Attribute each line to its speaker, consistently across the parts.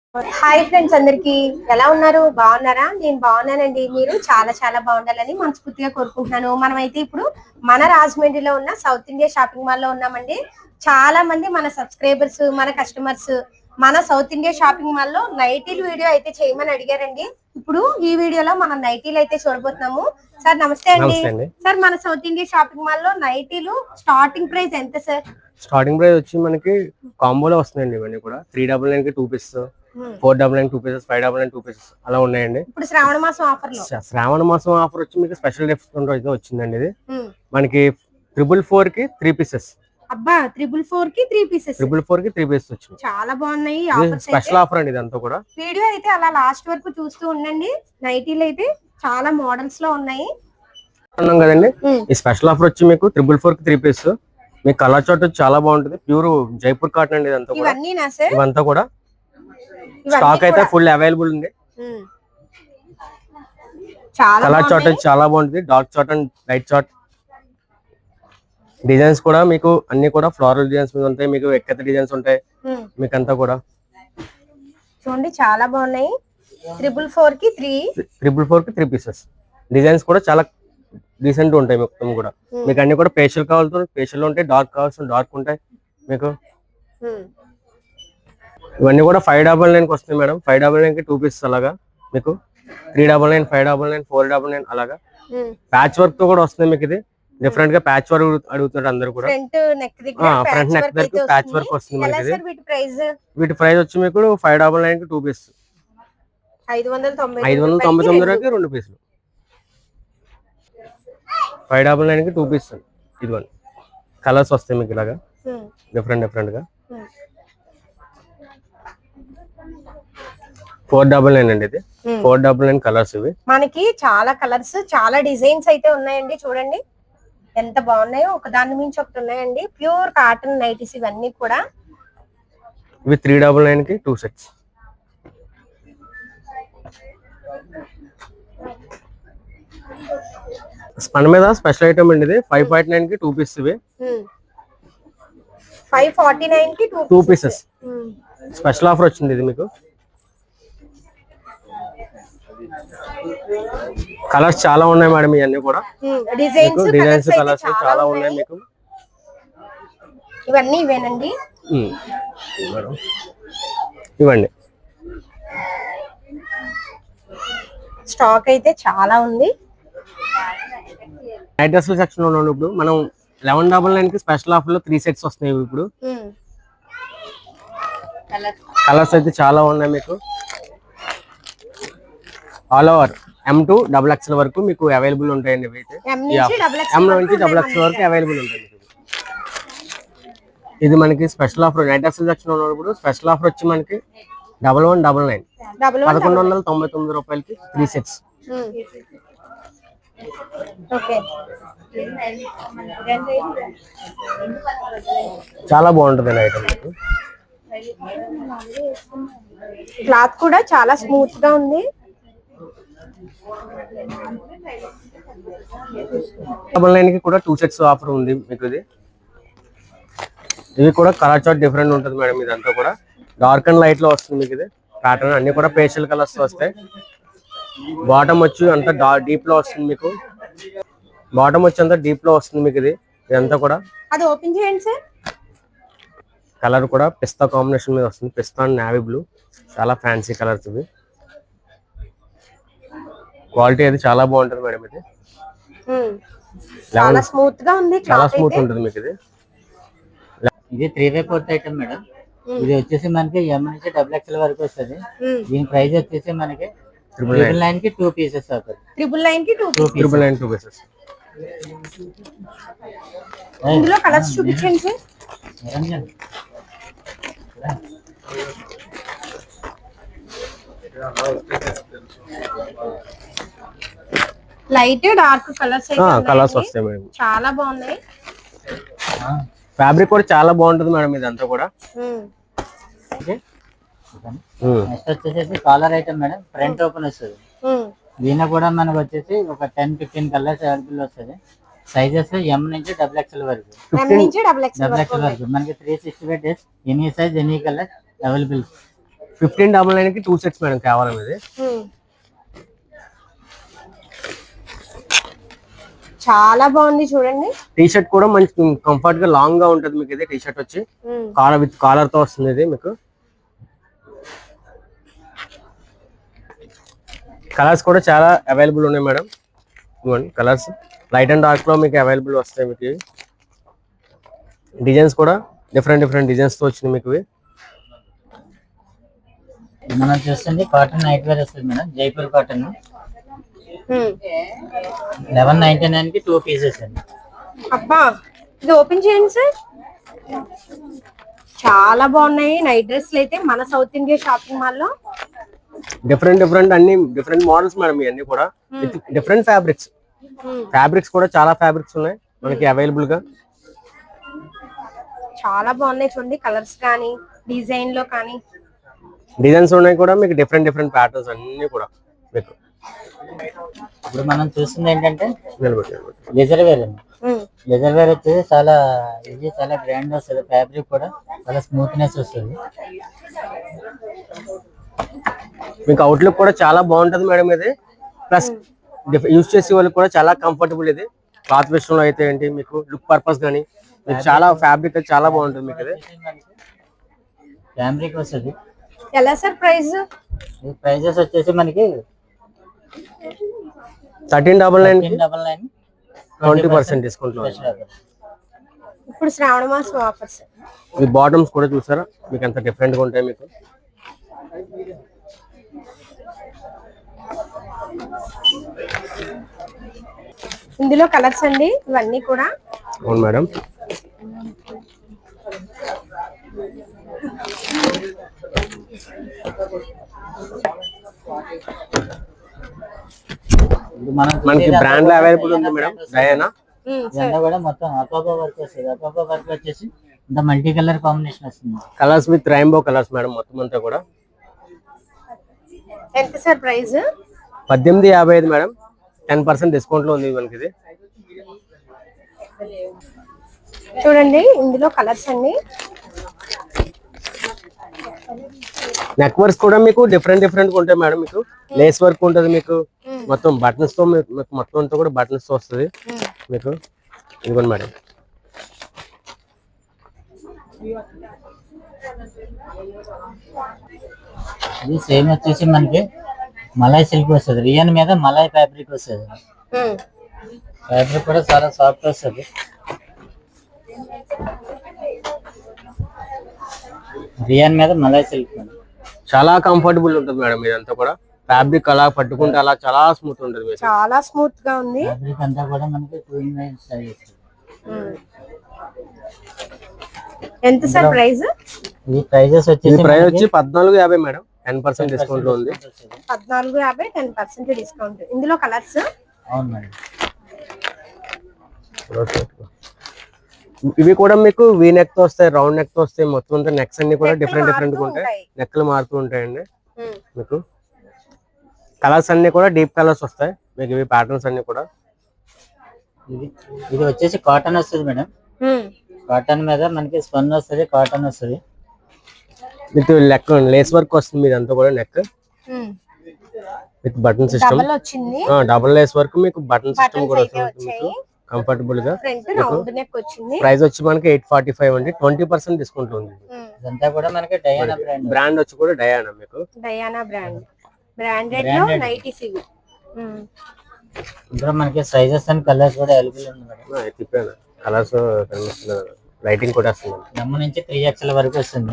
Speaker 1: Hi friends, అందరికి ఎలా ఉన్నారు? బాగున్నారా? నేను బాగున్నానండి. మీరు చాలా చాలా బాగుండాలని మనస్ఫూర్తిగా కోరుకుంటున్నాను. మనమైతే ఇప్పుడు మన రాజమండ్రిలో ఉన్న సౌత్ ఇండియా షాపింగ్ మాల్ లో ఉన్నామండి. చాలా మంది మన సబ్స్క్రైబర్స్, మన కస్టమర్స్ మన సౌత్ ఇండియా షాపింగ్ మాల్ లో నైటీలు వీడియో అయితే చేయమని అడిగారండి. ఇప్పుడు ఈ వీడియోలో మనం నైటీలు అయితే చూడబోతున్నాము. సార్ నమస్తే అండి. సార్, మన సౌత్ ఇండియా షాపింగ్ మాల్ లో నైటీలు స్టార్టింగ్ ప్రైస్ ఎంత సార్?
Speaker 2: స్టార్టింగ్ ప్రైస్ వచ్చి మనకి కాంబోలో వస్తున్నాయండి. ఇవన్నీ కూడా 399 కి 2 పీసెస్, 499 2 పీసెస్, 599 2 పీసెస్ అలా ఉన్నాయండి.
Speaker 1: ఇప్పుడు శ్రావణ మాసం ఆఫర్ లో
Speaker 2: శ్రావణ మాసం ఆఫర్ వచ్చి మీకు స్పెషల్ డిస్కౌంట్ అయితే వచ్చిందండి. ఇది మనకి 444 కి 3 పీసెస్.
Speaker 1: అబ్బా, 444 కి 3 పీసెస్.
Speaker 2: 444 కి 3 పీసెస్ వచ్చింది.
Speaker 1: చాలా బాగున్నాయి.
Speaker 2: స్పెషల్ ఆఫర్ అండి ఇదంతా కూడా.
Speaker 1: వీడియో అయితే అలా లాస్ట్ వరకు చూస్తూ ఉండండి. నైటీలు అయితే చాలా మోడల్స్ లో ఉన్నాయి
Speaker 2: అన్నాం కదండి. ఈ స్పెషల్ ఆఫర్ వచ్చి మీకు 444 కి 3 పీసెస్. మీ కలర్ చార్ట్ వచ్చి చాలా బాగుంటుంది. ప్యూర్ జైపూర్ కాటన్ అండి ఇదంతా కూడా. ఇవంతా కూడా స్టాక్ అయితే ఫుల్ అవైలబుల్ ఉంది. కలర్ చార్ట్ వచ్చి చాలా బాగుంటుంది. Dark chart and light chart. Designs కూడా మీకు అన్ని కూడా ఫ్లోరల్ డిజైన్స్ మీద ఉంటాయి. మీకు ఎక్కత డిజైన్స్ ఉంటాయి. మీకు అంతా కూడా
Speaker 1: చూడండి, చాలా బాగున్నాయి. 444 కి
Speaker 2: 3 పీసెస్. డిజైన్స్ కూడా చాలా డీసెంట్ ఉంటాయి మొత్తం కూడా. మీకు అన్ని కూడా ఫేషియల్ కావాల్సిన ఫేషియల్ ఉంటాయి, డార్క్ కావాల్సిన డార్క్ ఉంటాయి. మీకు ఇవన్నీ కూడా 599 కి వస్తాయి మేడం. 599 కి 2 పీసెస్ అలాగా. మీకు 399, 599, 499 అలాగా. ప్యాచ్ వర్క్ తో కూడా వస్తుంది మీకు. ఇది డిఫరెంట్ గా ప్యాచ్ వర్క్ అడుగుతున్నారు అందరు కూడా.
Speaker 1: ఫ్రంట్ నెక్
Speaker 2: దగ్గర ప్యాచ్ వర్క్ వస్తుంది మనకి. వీటి ప్రైస్ వచ్చి మీకు 599 కి 2 పీసెస్, 599 రూపాయలకి 2 పీసులు. 599 కి 2 పీసెస్. ఇదిగోండి కలర్స్ వస్తాయి మీకు ఇలాగా డిఫరెంట్ గా. 499 అండి ఇది. 499 కలర్స్ ఇవి.
Speaker 1: మనకి చాలా కలర్స్, చాలా డిజైన్స్ అయితే ఉన్నాయండి. చూడండి ఎంత బాగున్నాయో, ఒక దాని మించి ఒకటి ఉన్నాయండి. ప్యూర్ కాటన్ నైటీస్ ఇవన్నీ కూడా.
Speaker 2: ఇవి 399 కి 2 సెట్స్. స్పన్ మీద స్పెషల్ ఐటమ్ అండి ఇది. 549 కి 2 పీసెస్ ఇవి.
Speaker 1: 549 కి
Speaker 2: 2 పీసెస్. స్పెషల్ ఆఫర్ వచ్చింది ఇది మీకు. కలర్స్ చాలా ఉన్నాయి మేడం. ఇవన్నీ కూడా డిజైన్స్ కలర్స్ చాలా ఉన్నాయి మీకు.
Speaker 1: ఇవన్నీ ఇవేనండి.
Speaker 2: ఇవ్వండి.
Speaker 1: స్టాక్ అయితే చాలా ఉంది.
Speaker 2: నైట్ డ్రెస్ల సెక్షన్ లో ఉన్నాం ఇప్పుడు మనం. 1199 కి స్పెషల్ ఆఫర్ లో 3 సెట్స్ వస్తున్నాయి ఇప్పుడు. కలర్స్ అయితే చాలా ఉన్నాయి మీకు. All over M to XXL వరకు మీకు అవైలబుల్ ఉంటాయండి. M నుంచి XXL వరకు అవైలబుల్ ఉంటాయి. ఇది మనకి special offer. Night dress section ఉన్నప్పుడు స్పెషల్ ఆఫర్ వచ్చి మనకి 1199, 1199 రూపాయలకి 3 సెట్స్. చాలా బాగుంటుంది ఐటమ్.
Speaker 1: క్లాత్ కూడా చాలా స్మూత్ గా ఉంది.
Speaker 2: 99 కి కూడా 2 సెట్స్ ఆఫర్ ఉంది మీకు. ఇది కూడా కలర్ చార్ట్ డిఫరెంట్ ఉంటుంది మేడం. ఇదంతా కూడా డార్క్ అండ్ లైట్ లో వస్తుంది మీకు. ఇది ప్యాటర్న్ అన్ని కూడా పేస్టల్ కలర్స్ వస్తాయి. బాటమ్ వచ్చి అంతా డీప్ లో వస్తుంది మీకు. బాటమ్ వచ్చి అంతా డీప్ లో వస్తుంది మీకు. ఇదంతా కూడా
Speaker 1: అది ఓపెన్ చేయండి సార్.
Speaker 2: కలర్ కూడా పిస్తా కాంబినేషన్ మీద వస్తుంది. పిస్తా అండ్ నావీ బ్లూ. చాలా ఫ్యాన్సీ కలర్స్ ఇవి. క్వాలిటీ అయితే చాలా బాగుంటుంది మేడం. ఇది
Speaker 1: చాలా స్మూత్ గా ఉంది.
Speaker 2: చాలా స్మూత్ ఉంటుంది మీకు.
Speaker 3: ఇది 3 4 ఐటమ్ మేడం. ఇది వచ్చేసి మనకి M నుంచి XXL వరకు వస్తుంది. దీని ప్రైస్ వచ్చేసి మనకి 999 కి 2 పీసెస్ అవుతుంది.
Speaker 1: 999 కి
Speaker 2: 2 పీసెస్.
Speaker 1: ఇందులో కలర్స్ చూపించండి సార్. లైట్ డార్క్
Speaker 2: కలర్స్ వస్తాయి మేడం.
Speaker 1: చాలా బాగున్నాయి.
Speaker 2: ఫ్యాబ్రిక్ కూడా చాలా బాగుంటుంది మేడం. ఇదంతా కూడా
Speaker 3: నెక్స్ట్ వచ్చేసి collar item madam. Front open వస్తుంది. దీని కూడా మనకు వచ్చేసి ఒక 10-15 కలర్స్ అవైలబుల్ వస్తుంది. సైజెస్ M నుంచి XXL వరకు.
Speaker 1: XXL
Speaker 3: వరకు మనకి 365 days any size any colour available.
Speaker 2: 1599 కి 2 సెట్స్ మేడం కేవలం ఇది.
Speaker 1: చాలా బాగుంది చూడండి.
Speaker 2: టీ షర్ట్ కూడా మంచి కంఫర్ట్ గా లాంగ్ గా ఉంటది మీకు. ఇది టీ షర్ట్ వచ్చి కాలర్ విత్ కాలర్ తో వస్తుంది ఇది మీకు. కలర్స్ కూడా చాలా అవైలబుల్ ఉన్నాయి మేడం. ఇవ్వండి కలర్స్ లైట్ అండ్ డార్క్ లో మీకు అవైలబుల్ వస్తాయి మీకు. డిజైన్స్ కూడా డిఫరెంట్ డిజైన్స్ తో వచ్చినాయి మీకు.
Speaker 3: మనం చూస్తుంది కాటన్ నైట్ వేర్ వస్తుంది మేడం, జైపూర్ కాటన్. 1199 కి 2 పీసెస్ అండి.
Speaker 1: అబ్బా ఇది ఓపెన్ చేయండి సార్. చాలా బాగున్నాయి నైట్ డ్రెస్లు అయితే మన సౌత్ ఇండియా షాపింగ్ మాల్ లో.
Speaker 2: డిఫరెంట్ అన్ని డిఫరెంట్ మోడల్స్ మేడం ఇవన్నీ కూడా. డిఫరెంట్ ఫ్యాబ్రిక్స్ కూడా చాలా ఫ్యాబ్రిక్స్ ఉన్నాయి మనకి అవైలబుల్ గా.
Speaker 1: చాలా బాగున్నాయి చూడండి కలర్స్ కానీ డిజైన్ లో కానీ.
Speaker 2: డిజైన్స్ ఉన్నాయి కూడా మీకు డిఫరెంట్ ప్యాటర్న్స్ అన్ని కూడా మీకు.
Speaker 3: ఇప్పుడు మనం చూస్తుంది ఏంటంటే లెజర్ వేర్ అండి. లెజర్ వేర్ వచ్చేసి చాలా ఇది చాలా గ్రాండ్ వస్తుంది. ఫ్యాబ్రిక్ కూడా చాలా స్మూత్నెస్ వస్తుంది.
Speaker 2: మీకు అవుట్లుక్ కూడా చాలా బాగుంటది మేడం ఇది. ప్లస్ యూజ్ చేసే వాళ్ళకి కూడా చాలా కంఫర్టబుల్ ఇది. క్లాత్ విషయంలో అయితే ఏంటి మీకు లుక్ పర్పస్ కానీ మీకు చాలా ఫ్యాబ్రిక్ చాలా బాగుంటుంది మీకు ఇది.
Speaker 3: ఫ్యాబ్రిక్ వస్తుంది.
Speaker 1: ఎలా సార్ ప్రైస్?
Speaker 3: ఈ ప్రైజెస్ వచ్చేసి మనకి
Speaker 2: 1399 20% డిస్కౌంట్ లో.
Speaker 1: ఇప్పుడు శ్రావణ మాసం ఆఫర్స్.
Speaker 2: ఈ బాటమ్స్ కూడా చూసారా మీకు ఎంత డిఫరెంట్ గా ఉంటాయి మీకు.
Speaker 1: ఇందులో కలర్స్ అండి ఇవన్నీ కూడా.
Speaker 2: అవును మేడం. మనకి బ్రాండ్ లో అవైలబుల్ ఉంది మేడం. డయానా
Speaker 3: కూడా మొత్తం అపాపా వర్క్ వస్తుంది. అపాపా వర్క్ వచ్చేసి ఇంత మల్టీ కలర్ కాంబినేషన్ వస్తుంది.
Speaker 2: Colours with rainbow colours madam మొత్తం అంతా కూడా.
Speaker 1: ఎంత సార్ ప్రైస్?
Speaker 2: 1855 మేడం. 10% డిస్కౌంట్ లో ఉంది మనకి ఇది.
Speaker 1: చూడండి ఇందులో కలర్స్ అన్ని.
Speaker 2: నెక్ వర్క్స్ కూడా మీకు డిఫరెంట్ ఉంటాయి మేడం. మీకు లేస్ వర్క్ ఉంటది మీకు. మొత్తం బటన్స్ తో మీకు మొత్తం అంతా కూడా బటన్స్ తో వస్తుంది మీకు. ఇదిగోండి మేడం.
Speaker 3: ఇది సేమ్ వచ్చేసి మనకి మలై సిల్క్ వస్తుంది. రియన్ మీద మలై ఫ్యాబ్రిక్ వస్తుంది. ఫ్యాబ్రిక్ కూడా చాలా సాఫ్ట్ వస్తుంది. రియన్ మీద మలై సిల్క్
Speaker 2: చాలా కంఫర్టబుల్ ఉంటుంది మేడం. ఇదంతా కూడా ఫ్యాబ్రిక్ అలా పట్టుకుంటే అలా చాలా స్మూత్ ఉంటుంది.
Speaker 1: చాలా స్మూత్ గా ఉంది.
Speaker 3: ఫ్యాబ్రిక్ అంతా కూడా మనకి 2 స్టైల్.
Speaker 1: ఎంత సార్ ప్రైస్?
Speaker 3: ఈ ప్రైజెస్ వచ్చి
Speaker 2: 1450 మేడం. 10% డిస్కౌంట్ లో ఉంది.
Speaker 1: 1450 10% డిస్కౌంట్. ఇందులో కలర్స్.
Speaker 3: అవును మేడం.
Speaker 2: ఇవి కూడా మీకు వీ నెక్ తో వస్తాయి, రౌండ్ నెక్ తో వస్తాయి. మొత్తం అంతా నెక్స్ అన్ని కూడా డిఫరెంట్ గా ఉంటాయి. నెక్లు మారుతూ ఉంటాయండి మీకు. కలర్స్ అన్ని కూడా డీప్ కలర్స్ వస్తాయి మీకు. ఇవి ప్యాటర్న్స్ అన్ని కూడా.
Speaker 3: ఇది వచ్చేసి కాటన్ వస్తుంది మేడం. కాటన్ మీద మనకి స్పన్ వస్తుంది, కాటన్ వస్తుంది.
Speaker 2: విత్ లెక్ లేస్ వర్క్ వస్తుంది మీదంతా కూడా. Neck with button system. Double lace work మీకు బటన్ సిస్టమ్ కూడా వస్తుంది మీకు కంఫర్టబుల్ గా. ప్రైస్ వచ్చి మనకి 845 అండి. 20% డిస్కౌంట్ ఉంది.
Speaker 3: ఇదంతా కూడా మనకి డయానా
Speaker 2: బ్రాండ్ వచ్చి కూడా డయానా మీకు.
Speaker 1: డయానా బ్రాండెడ్ లో నైటీస్ ఇవి.
Speaker 3: ఇందులో మనకి సైజెస్ అండ్ కలర్స్ కూడా అవైలబుల్ ఉంది మేడం.
Speaker 2: తిప్పాను కలర్స్ కనిపిస్తుంది. లైటింగ్ కూడా వస్తుంది.
Speaker 3: M నుంచి 3XL వరకు వస్తుంది.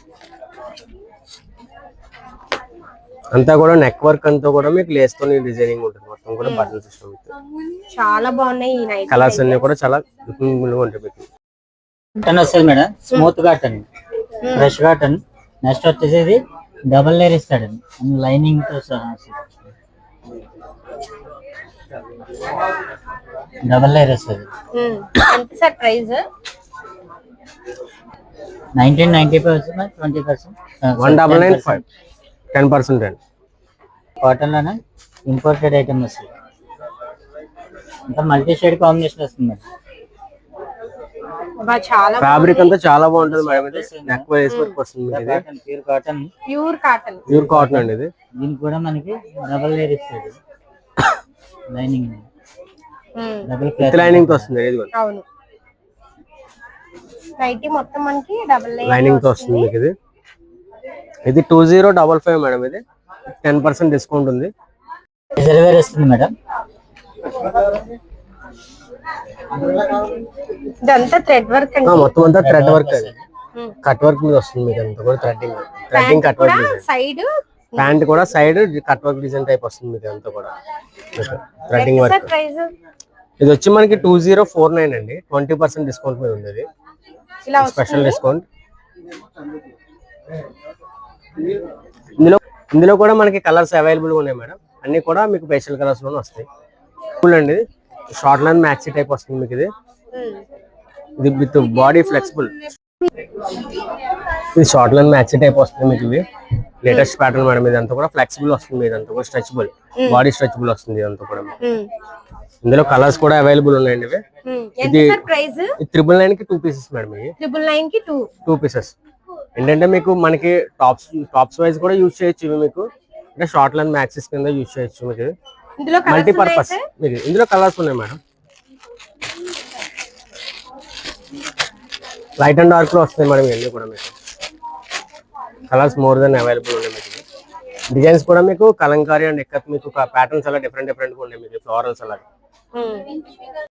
Speaker 2: అంతా కూడా నెక్ వర్క్ అంతా కూడా మీకు లేస్ తో డిజైనింగ్ ఉంటుంది. మొత్తం కూడా బటన్ సిస్టమ్.
Speaker 1: చాలా బాగున్నాయి ఈ నైట్
Speaker 2: కలర్స్ అన్ని కూడా చాలా లుకింగ్ ఉంటాయి మీకు.
Speaker 3: కాటన్ వస్తుంది madam. Smooth cotton, fresh cotton. Next వచ్చేసి ఇది డబుల్ లేయర్ ఇస్తాడు లైనింగ్ తో సహా. డబుల్ లేయర్ వస్తుంది.
Speaker 1: ఎంత సార్ ప్రైస్?
Speaker 3: 1995 వస్తుంది. 20%
Speaker 2: 1995 10% అండి.
Speaker 3: కాటన్ లోనే ఇంపోర్టెడ్ ఐటమ్ వస్తుంది. ఇంకా మల్టీ షేడ్ కాంబినేషన్ వస్తుంది.
Speaker 1: చాలా
Speaker 2: ఫ్యాబ్రిక్ అంతా చాలా బాగుంటది మేడం. ఇది నెక్ వైస్ వర్క్ వస్తుంది మీకు ఇది.
Speaker 3: Pure cotton.
Speaker 2: ప్యూర్ కాటన్ అండి ఇది.
Speaker 3: దీనికి కూడా మనకి డబుల్ లేయర్ ఇస్తుంది లైనింగ్. డబుల్
Speaker 2: విత్ లైనింగ్ తో వస్తుంది ఇది కూడా.
Speaker 1: అవును నైటీ మొత్తం మనకి డబుల్
Speaker 2: లైనింగ్ తో వస్తుంది మీకు ఇది. ఇది 2055 మేడం. ఇది 10% డిస్కౌంట్ ఉంది.
Speaker 3: రిజర్వేర్ వస్తుంది మేడం.
Speaker 1: ఇదంతా థ్రెడ్ వర్క్ అండి.
Speaker 2: మొత్తం అంతా థ్రెడ్ వర్క్ అది. కట్ వర్క్ మీద వస్తుంది మీకు అంతా కూడా threading cut work design.
Speaker 1: Side
Speaker 2: pant కూడా side cut work design type వస్తుంది మీకు అంతా కూడా థ్రెడ్డింగ్ వర్క్.
Speaker 1: ప్రైస్
Speaker 2: ఇది వచ్చి మనకి 2049 అండి. 20% డిస్కౌంట్ మీద ఉంది ఇది.
Speaker 1: ఇలా
Speaker 2: స్పెషల్ డిస్కౌంట్. ఇందులో కూడా మనకి కలర్స్ అవైలబుల్ గా ఉన్నాయి మేడం. అన్ని కూడా మీకు పేస్టల్ కలర్స్ లోనే వస్తాయి. అండి షార్ట్ లైన్ మ్యాక్సీ టైప్ వస్తుంది మీకు ఇది. ఇది విత్ బాడీ ఫ్లెక్సిబుల్. ఇది షార్ట్ లైన్ మ్యాక్సీ టైప్ వస్తుంది మీకు. ఇది లేటెస్ట్ ప్యాటర్న్ మేడం. ఇదంతా కూడా ఫ్లెక్సిబుల్ వస్తుంది. ఇదంతా కూడా స్ట్రెచబుల్, బాడీ స్ట్రెచబుల్ వస్తుంది ఇదంతా కూడా. ఇందులో కలర్స్ కూడా అవైలబుల్ ఉన్నాయండి. ఇవి ఇది 999 కి 2 పీసెస్ మేడం. ఇవి
Speaker 1: 999 కి 2
Speaker 2: పీసెస్. ఏంటంటే మీకు మనకి టాప్స్ వైజ్ కూడా యూజ్ చేయొచ్చు. ఇవి మీకు అంటే షార్ట్ లైన్ మ్యాక్సీస్ కింద యూజ్ చేయొచ్చు. మీకు మల్టీపర్పస్. మీకు ఇందులో కలర్స్ ఉన్నాయి మేడం. లైట్ అండ్ డార్క్ లో వస్తాయి మేడం. ఇవన్నీ కూడా మీకు కలర్స్ మోర్ దెన్ అవైలబుల్ ఉన్నాయి మీకు. డిజైన్స్ కూడా మీకు కలంకారీ అండ్ ఎక్కత్ మీకు ప్యాటర్న్స్ అలా డిఫరెంట్ గా ఉన్నాయి మీకు. ఫ్లోరల్స్ అలా